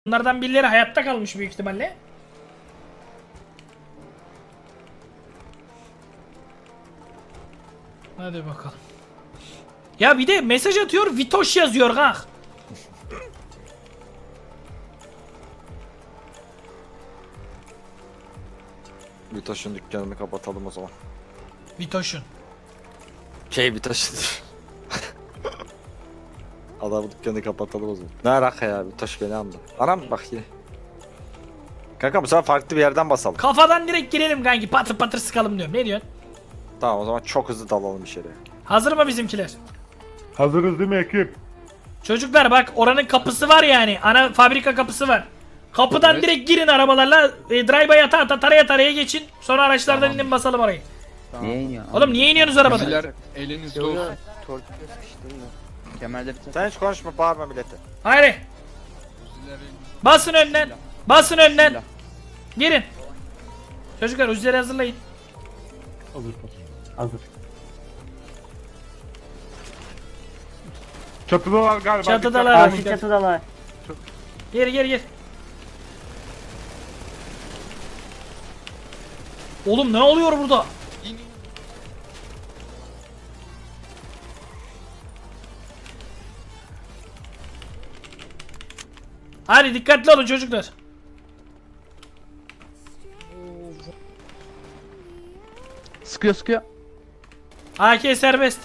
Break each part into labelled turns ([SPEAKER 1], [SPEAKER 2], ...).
[SPEAKER 1] Bunlardan birileri hayatta kalmış büyük ihtimalle. Hadi bakalım. Ya bir de mesaj atıyor, Vitoş yazıyor kanka.
[SPEAKER 2] Vitoş'un dükkanını kapatalım o zaman.
[SPEAKER 1] Vitoş'un.
[SPEAKER 2] Vitoş'un. Adamın dükkanını kapatalım o zaman. Ne alaka ya, Vitoş beni andı. Anam bak yine. Kanka bu sefer farklı bir yerden basalım.
[SPEAKER 1] Kafadan direkt girelim kanki, patır patır sıkalım diyorum. Ne diyorsun?
[SPEAKER 2] Tamam o zaman çok hızlı dalalım içeriye.
[SPEAKER 1] Hazır mı bizimkiler?
[SPEAKER 3] Hazırız değil mi ekip?
[SPEAKER 1] Çocuklar bak, oranın kapısı var yani. Ana fabrika kapısı var. Kapıdan
[SPEAKER 2] Evet.
[SPEAKER 1] direkt girin arabalarla. Drive'a yata ata taraya taraya geçin. Sonra araçlardan inin basalım orayı.
[SPEAKER 4] Niye iniyor?
[SPEAKER 1] Oğlum niye iniyorsunuz arabadan?
[SPEAKER 5] Bizler elinizde olsun.
[SPEAKER 4] Torpil sıkıştım da. Kemerleri tak.
[SPEAKER 2] Sen hiç konuşma, bağırma millete.
[SPEAKER 1] Haydi.
[SPEAKER 5] Bizler elinizde.
[SPEAKER 1] Basın önden. Basın önden.
[SPEAKER 4] Bismillah.
[SPEAKER 1] Girin. Çocuklar uzileri hazırlayın.
[SPEAKER 3] Hazır. Hazır. Çatıdalar galiba.
[SPEAKER 1] Çatıdalar.
[SPEAKER 3] Dikkat.
[SPEAKER 1] Karşı
[SPEAKER 6] çatıdalar.
[SPEAKER 1] Gir gir gir. Oğlum ne oluyor burada? Hadi dikkatli olun çocuklar.
[SPEAKER 4] Sıkıyor sıkıyor.
[SPEAKER 1] AK serbest.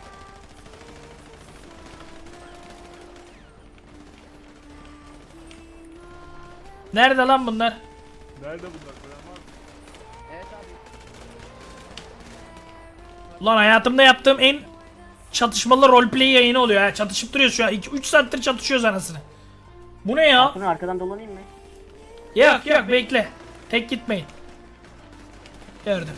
[SPEAKER 1] Nerede lan bunlar?
[SPEAKER 3] Nerede bunlar? Gören var mı?
[SPEAKER 4] Evet abi.
[SPEAKER 1] Ulan hayatımda yaptığım en çatışmalı roleplay yayını oluyor ha. Çatışıp duruyoruz şu an. 3 saattir çatışıyoruz anasını. Bu ne ya?
[SPEAKER 6] Bunu arkadan dolanayım mı?
[SPEAKER 1] Yok yok bekle. Tek gitmeyin. Gördüm.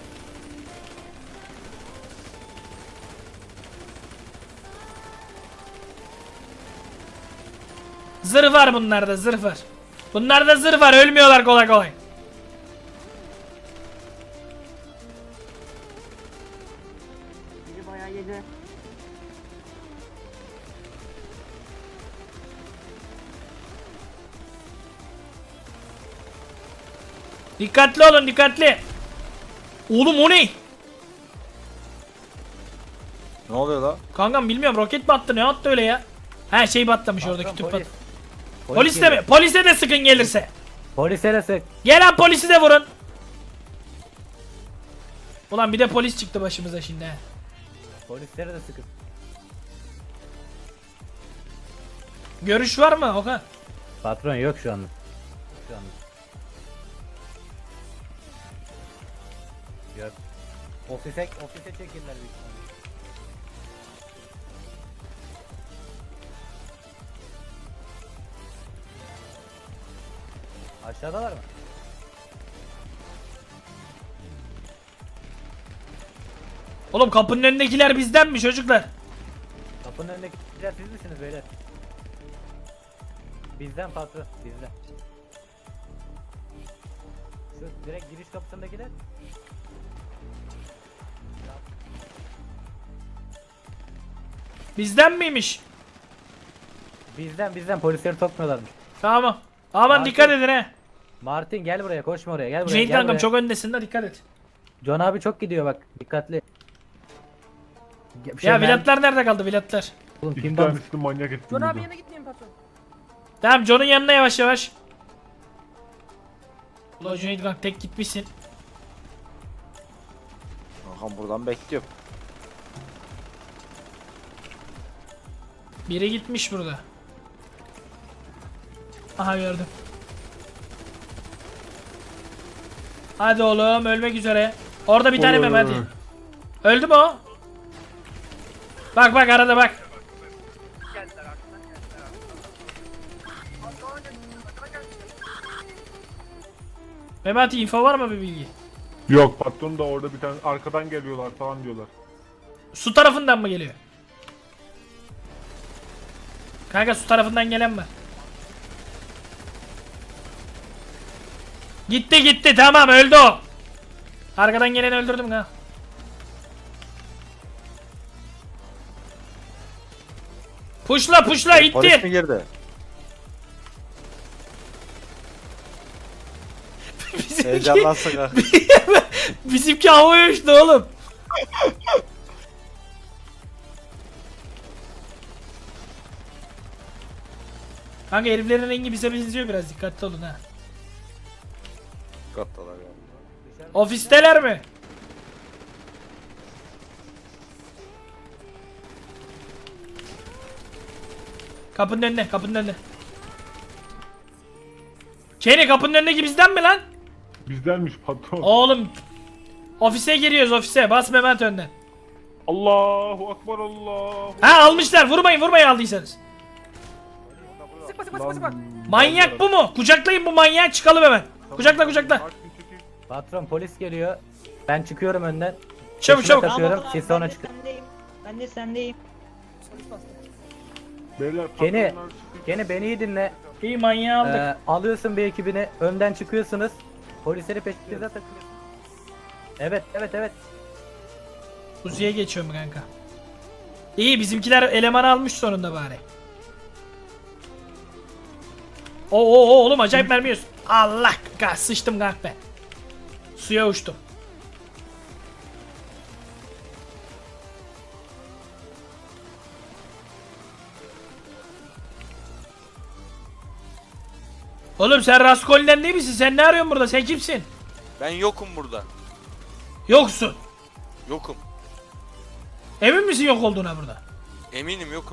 [SPEAKER 1] Zırh var bunlarda, zırh var. Bunlarda zırh var, ölmüyorlar kolay kolay.
[SPEAKER 6] Biri bayağı yedi.
[SPEAKER 1] Dikkatli olun, dikkatli. Oğlum o ne?
[SPEAKER 2] Ne oluyor la?
[SPEAKER 1] Kankam bilmiyorum, roket mi attı, ne attı öyle ya? Her şey patlamış orada, kütük pat. Polis de mi? Polise de sıkın gelirse.
[SPEAKER 6] Polise de sık.
[SPEAKER 1] Gelen polisi de vurun. Ulan bir de polis çıktı başımıza şimdi he.
[SPEAKER 6] Polislere de sıkın.
[SPEAKER 1] Görüş var mı Okan?
[SPEAKER 6] Patron yok şu anda. Şu anda. Yok. Ofise çekirler büyük ihtimalle. Aşağıdalar mı?
[SPEAKER 1] Oğlum kapının önündekiler bizden mi çocuklar?
[SPEAKER 6] Kapının önündekiler siz misiniz beyler? Bizden patron, bizden. Şu direkt giriş kapısındakiler.
[SPEAKER 1] Bizden miymiş?
[SPEAKER 6] Bizden polisleri sokmuyorlarmış.
[SPEAKER 1] Tamam. Aman
[SPEAKER 6] Martin.
[SPEAKER 1] dikkat edin he.
[SPEAKER 6] Martin gel buraya, koşma oraya, gel buraya.
[SPEAKER 1] Cüneyt
[SPEAKER 6] gel
[SPEAKER 1] kankam
[SPEAKER 6] buraya.
[SPEAKER 1] çok öndesin de dikkat et.
[SPEAKER 6] John abi çok gidiyor bak, dikkatli.
[SPEAKER 1] Ya vilatlar nerede kaldı vilatlar?
[SPEAKER 6] Oğlum
[SPEAKER 3] İki
[SPEAKER 6] pinball.
[SPEAKER 3] tanesini manyak ettim.
[SPEAKER 4] John
[SPEAKER 3] burada.
[SPEAKER 4] abi yana gitmeyin patron.
[SPEAKER 1] Tamam John'un yanına yavaş yavaş. Ulan Cüneyt kanka tek gitmişsin.
[SPEAKER 2] Kankam buradan bekliyorum.
[SPEAKER 1] Biri gitmiş burada. Aha gördüm. Hadi oğlum ölmek üzere. Orada bir tane
[SPEAKER 3] Oy.
[SPEAKER 1] Mehmet. Öldü mü o? Bak bak arada bak. Mehmet info var mı bir bilgi?
[SPEAKER 3] Yok patron da orada bir tane arkadan geliyorlar falan diyorlar.
[SPEAKER 1] Su tarafından mı geliyor? Kanka su tarafından gelen var. Gitti gitti tamam öldü o. Arkadan geleni öldürdüm ha. Puşla puşla
[SPEAKER 2] Polis mi
[SPEAKER 1] itti.
[SPEAKER 2] girdi? Heyecanlansın ha.
[SPEAKER 1] Bizimki havaya uçtu oğlum. Kanka heriflerin rengi bize benziyor biraz, dikkatli olun ha.
[SPEAKER 2] Kattalar ya.
[SPEAKER 1] Ofisteler mi? Kapının önüne, kapının önüne. Kenny, kapının önündeki bizden mi lan?
[SPEAKER 3] Bizdenmiş patron.
[SPEAKER 1] Oğlum. Ofise giriyoruz, ofise. Bas Mehmet önden.
[SPEAKER 3] Allahu akbar Allah.
[SPEAKER 1] Ha, almışlar. Vurmayın, vurmayın aldıysanız.
[SPEAKER 3] Lan,
[SPEAKER 1] Manyak bu mu? Kucaklayın bu manyağı, çıkalım hemen. Kucakla, kucakla.
[SPEAKER 3] Martin çekil.
[SPEAKER 6] Patron polis geliyor. Ben çıkıyorum önden.
[SPEAKER 1] Çabuk,
[SPEAKER 6] Peşine
[SPEAKER 1] çabuk.
[SPEAKER 6] takıyorum. Siz sonra çıkın.
[SPEAKER 7] Ben de sendeyim.
[SPEAKER 3] Beyler
[SPEAKER 6] Kenny,
[SPEAKER 3] patronlar çıkın.
[SPEAKER 6] Kenny beni iyi dinle.
[SPEAKER 1] İyi, manyağı aldık.
[SPEAKER 6] Alıyorsun bir ekibini. Önden çıkıyorsunuz. Polisleri peşinize takıyorsun. Evet, evet, evet.
[SPEAKER 1] Kuzuya geçiyorum kanka. İyi, bizimkiler eleman almış sonunda bari. Oo oğlum, acayip mermi yiyorsun. Allah kahretsin, sıçtım kanka ben. Suya uçtum. Oğlum sen Raskolni'den değil misin? Sen ne arıyorsun burada? Sen kimsin?
[SPEAKER 8] Ben yokum burada.
[SPEAKER 1] Yoksun.
[SPEAKER 8] Yokum.
[SPEAKER 1] Emin misin yok olduğuna burada?
[SPEAKER 8] Eminim yokum.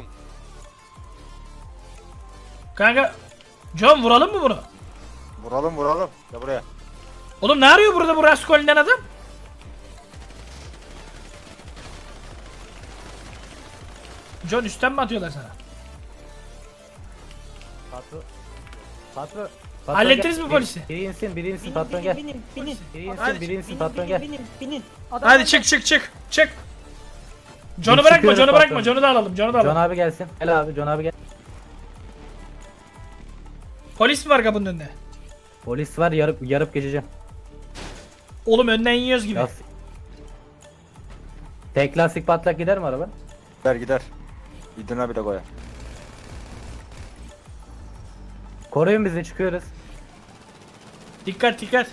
[SPEAKER 1] Kanka, John vuralım mı bunu?
[SPEAKER 2] Vuralım vuralım. Ya buraya.
[SPEAKER 1] Oğlum ne arıyor burada bu Raskolni'den adam? John, üstten mi atıyorlar sana?
[SPEAKER 6] Patron. Patron.
[SPEAKER 1] Hallettiniz
[SPEAKER 6] gel.
[SPEAKER 1] mi polisi?
[SPEAKER 6] Biri insin, biri insin patron gel.
[SPEAKER 7] Binin, binin.
[SPEAKER 6] Biri insin,
[SPEAKER 1] Hadi.
[SPEAKER 6] biri insin patron gel.
[SPEAKER 7] Binin.
[SPEAKER 1] Hadi çık çık çık çık. John'u
[SPEAKER 6] Biz
[SPEAKER 1] bırakma,
[SPEAKER 6] çıkıyoruz
[SPEAKER 1] John'u bırakma.
[SPEAKER 6] patron.
[SPEAKER 1] John'u da alalım, John'u da
[SPEAKER 6] John
[SPEAKER 1] alalım.
[SPEAKER 6] abi gelsin. Gel abi, John abi gel.
[SPEAKER 1] Polis mi var kapının önünde?
[SPEAKER 6] Polis var, yarıp geçeceğim.
[SPEAKER 1] Oğlum önden yiyoruz gibi.
[SPEAKER 6] Lastik. Tek lastik patlak gider mi araba?
[SPEAKER 2] Gider gider. İdina bir de koya.
[SPEAKER 6] Koruyun bizi, çıkıyoruz.
[SPEAKER 1] Dikkat dikkat.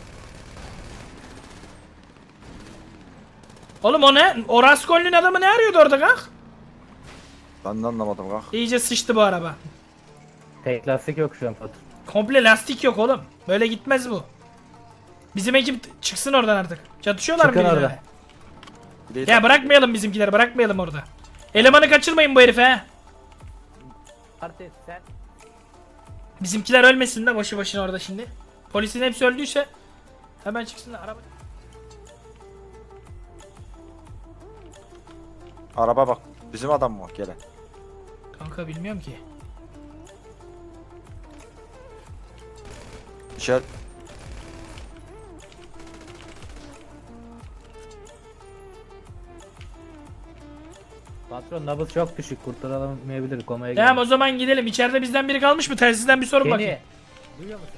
[SPEAKER 1] Oğlum o ne? O Raskolni'nin adamı ne arıyordu orada kalk?
[SPEAKER 2] Ben de anlamadım kalk.
[SPEAKER 1] İyice sıçtı bu araba.
[SPEAKER 6] Tek lastik yok şu an patron.
[SPEAKER 1] Komple lastik yok oğlum. Böyle gitmez bu. Bizim ekip çıksın oradan artık. Çatışıyorlar mı
[SPEAKER 6] Çıkın
[SPEAKER 1] birileri?
[SPEAKER 6] oradan.
[SPEAKER 2] Bir de
[SPEAKER 1] Ya bırakmayalım bizimkileri, bırakmayalım orada. Elemanı kaçırmayın bu herife he.
[SPEAKER 6] Artık sen
[SPEAKER 1] Bizimkiler ölmesin de boşu boşuna orada şimdi. Polisin hepsi öldüyse hemen çıksınlar araba.
[SPEAKER 2] Araba bak. Bizim adam mı? Gele.
[SPEAKER 1] Kanka bilmiyorum ki.
[SPEAKER 2] İşaret.
[SPEAKER 6] patron nabız çok düşük, kurtaramayabilir, komaya
[SPEAKER 1] Tamam, o
[SPEAKER 6] girer.
[SPEAKER 1] zaman gidelim. İçeride bizden biri kalmış mı? Telsizden bir sorun bakayım.
[SPEAKER 6] Kenny, duyuyor musun?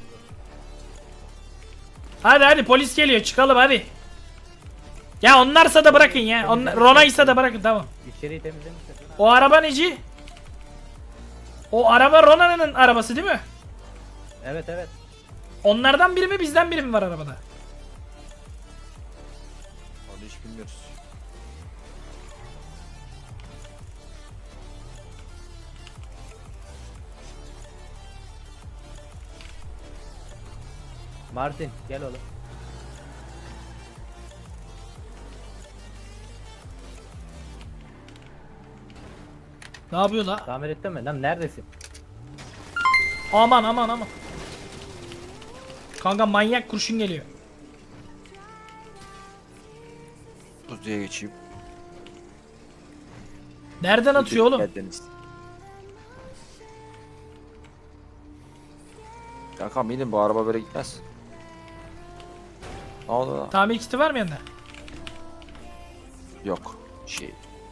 [SPEAKER 1] Hadi hadi, polis geliyor, çıkalım hadi. Ya onlarsa da bırakın ya. Rona'ysa da bırakın, tamam.
[SPEAKER 6] İçeriği temizlemişler.
[SPEAKER 1] O araba neci? O araba Rona'nın arabası değil mi?
[SPEAKER 6] Evet evet.
[SPEAKER 1] Onlardan biri mi, bizden biri mi var arabada?
[SPEAKER 2] Onu hiç bilmiyoruz.
[SPEAKER 6] Martin gel oğlum.
[SPEAKER 1] Ne yapıyor la?
[SPEAKER 6] Tamir ettin mi? Lan neredesin?
[SPEAKER 1] Aman aman aman. Kanka manyak kurşun geliyor.
[SPEAKER 2] Kuzuya geçeyim.
[SPEAKER 1] Nereden atıyor oğlum?
[SPEAKER 2] Geldiniz. Kankam inin, bu araba böyle gitmez. Ne oldu lan?
[SPEAKER 1] Tamir kiti var mı yanında?
[SPEAKER 2] Yok. Şey.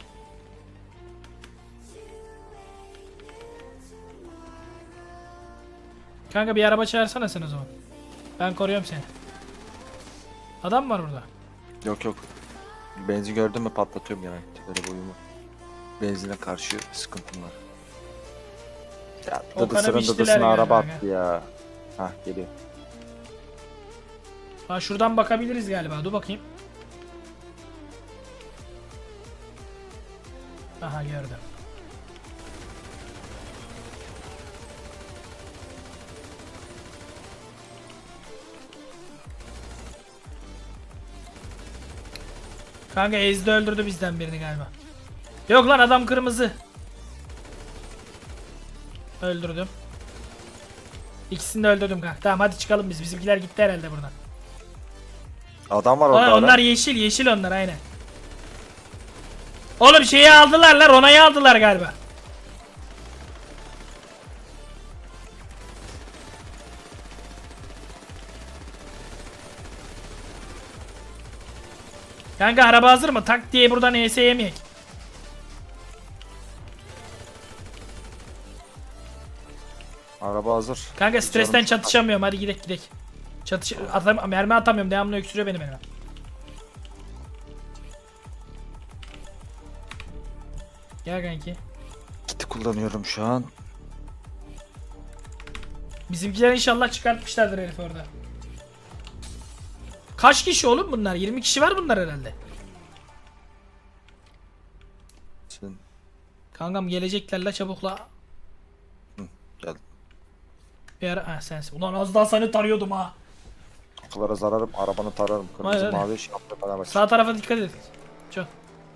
[SPEAKER 1] Kanka bir araba çağırsana sen o zaman. Ben koruyorum seni. Adam mı var burada?
[SPEAKER 2] Yok yok. Benzin gördün mü patlatıyorum genellikle böyle boyumu. Benzine karşı sıkıntım var. Ya
[SPEAKER 1] O kanı
[SPEAKER 2] dıdısının
[SPEAKER 1] biçtiler
[SPEAKER 2] dıdısına
[SPEAKER 1] galiba
[SPEAKER 2] araba
[SPEAKER 1] ya.
[SPEAKER 2] attı ya. Hah geliyor.
[SPEAKER 1] Ha şuradan bakabiliriz galiba. Dur bakayım. Aha gördüm. Kanka Ezdi öldürdü bizden birini galiba. Yok lan adam kırmızı. Öldürdüm. İkisini de öldürdüm kanka. Tamam hadi çıkalım biz. Bizimkiler gitti herhalde buradan.
[SPEAKER 2] Adam var orada.
[SPEAKER 1] Aa, onlar yeşil yeşil onlar aynen. Oğlum şeyi aldılar lan, Rona'yı aldılar galiba. Kanka araba hazır mı? Tak diye buradan ES yemeyek.
[SPEAKER 2] Araba hazır.
[SPEAKER 1] Kanka stresten
[SPEAKER 2] Canım
[SPEAKER 1] çatışamıyorum. Hadi gidek gidek. Mermi atamıyorum. Devamlı öksürüyor benim elime. Gel kanki.
[SPEAKER 2] Kiti kullanıyorum şu an.
[SPEAKER 1] Bizimkiler inşallah çıkartmışlardır herif orada. Kaç kişi oğlum bunlar? 20 kişi var bunlar herhalde.
[SPEAKER 2] Sen
[SPEAKER 1] Kankam gelecekler la çabukla.
[SPEAKER 2] gel.
[SPEAKER 1] Bir ara ha sensin. Ulan az daha seni tarıyordum ha.
[SPEAKER 2] Kapılara zararım, arabanı tararım. Kırmızı
[SPEAKER 1] Hayır,
[SPEAKER 2] mavi şey yaptı bana bak.
[SPEAKER 1] Sağ tarafa dikkat edin. Çok.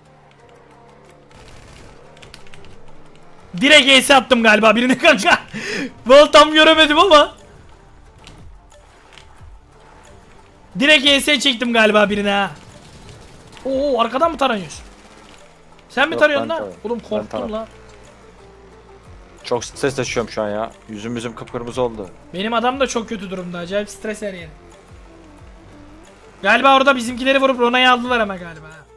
[SPEAKER 1] Direkt ES attım galiba birine kanka. Vallahi tam göremedim ama. Direkt ES çektim galiba birine ha. Oo arkadan mı taranıyorsun? Sen mi
[SPEAKER 2] Yok,
[SPEAKER 1] tarıyorsun
[SPEAKER 2] ben
[SPEAKER 1] lan?
[SPEAKER 2] tarıyorum.
[SPEAKER 1] Oğlum
[SPEAKER 2] Ben
[SPEAKER 1] korktum
[SPEAKER 2] tarıyorum.
[SPEAKER 1] lan.
[SPEAKER 2] Çok stres taşıyorum şu an ya. Yüzüm kıpkırmızı oldu.
[SPEAKER 1] Benim adam da çok kötü durumda. Acayip stres her yeri. Galiba orada bizimkileri vurup Rona'yı aldılar ama galiba.